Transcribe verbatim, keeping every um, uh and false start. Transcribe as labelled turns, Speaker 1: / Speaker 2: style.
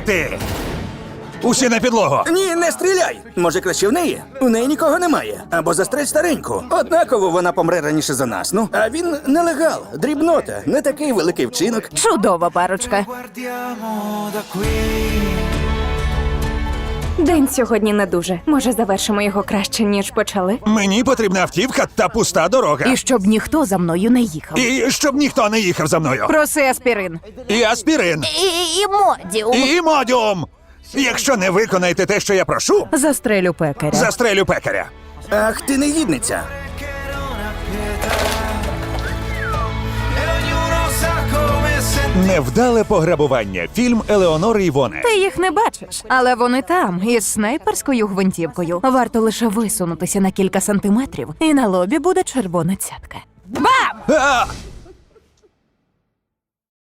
Speaker 1: стріляти! Усі на підлогу!
Speaker 2: Ні, не стріляй! Може, краще в неї? У неї нікого немає. Або застрель стареньку. Однаково вона помре раніше за нас. Ну, а він нелегал, дрібнота, не такий великий вчинок.
Speaker 3: Чудова парочка.
Speaker 4: Guardiamo da qui.
Speaker 5: День сьогодні не дуже. Може, завершимо його краще, ніж почали?
Speaker 1: Мені потрібна автівка та пуста дорога.
Speaker 3: І щоб ніхто за мною не їхав.
Speaker 1: І щоб ніхто не їхав за мною.
Speaker 3: Проси аспірин.
Speaker 1: І аспірин.
Speaker 3: І, і модіум.
Speaker 1: І модіум. Якщо не виконаєте те, що я прошу,
Speaker 3: Застрелю пекаря.
Speaker 1: застрелю пекаря.
Speaker 2: Ах, ти негідниця.
Speaker 4: E ognuno sa come sentire.
Speaker 1: Невдале пограбування. Фільм Елеонори Івоне.
Speaker 3: Ти їх не бачиш, але вони там, із снайперською гвинтівкою. Варто лише висунутися на кілька сантиметрів, і на лобі буде червона цятка. Бам!
Speaker 1: А!